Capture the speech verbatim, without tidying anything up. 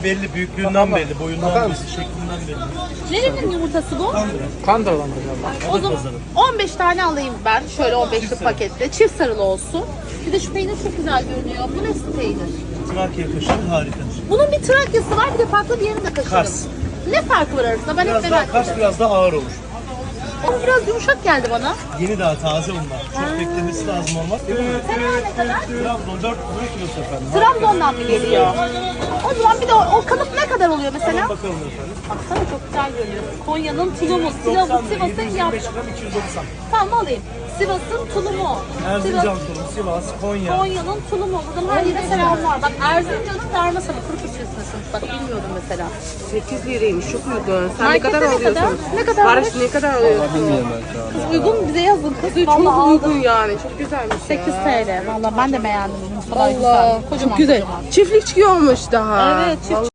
Belli, büyüklüğünden belli, boyundan belli, şeklinden belli. Nerenin yumurtası bu? Kandırlan galiba. O zaman on beş tane alayım ben. Şöyle on beşlik pakette. Çift sarılı olsun. Bir de şu peynir çok güzel görünüyor. Bu ne peynir? Trakya kaşarı harikadır. Bunun bir Trakya'sı var, bir de farklı bir yerinde kaşarı. Kars. Ne farkı var arasında? Ben hep Biraz daha merak Kars ediyorum. biraz daha ağır olur. Ama biraz yumuşak geldi bana. Yeni daha taze onlar. Çok beklemesi lazım olmaz. Tereyağı ne kadar? Trabzon dört kilosu efendim. Trabzon'dan mı geliyor? O zaman bir de o, o kalıp ne kadar oluyor mesela? Bakalım efendim. Baksana çok güzel görünüyor. Konya'nın tulumu, Sivas'ın Sivas'ın yap. yirmi beş gram iki yüz doksan. Tamam alayım. Sivas'ın tulumu. Erzincan Sivas, tulumu, Sivas, Konya. Konya'nın tulumu. Buradan her yere selam var. Bak Erzincan'ın darmasını kuru fırçasını. Bak bilmiyordum mesela. sekiz liraymış, çok uygun. Sen Markette ne kadar ne alıyorsun? kadar? Ne kadar Barış almış? ne kadar alıyorsun? Kız uygun bize yazın. Kız Çok vallahi uygun aldım. yani, çok güzelmiş sekiz ya. T L. Valla ben de beğendim. Bu kadar Allah, güzel. Kocaman çok güzel. kocaman. Çiftlikçi olmuş daha. Evet, çift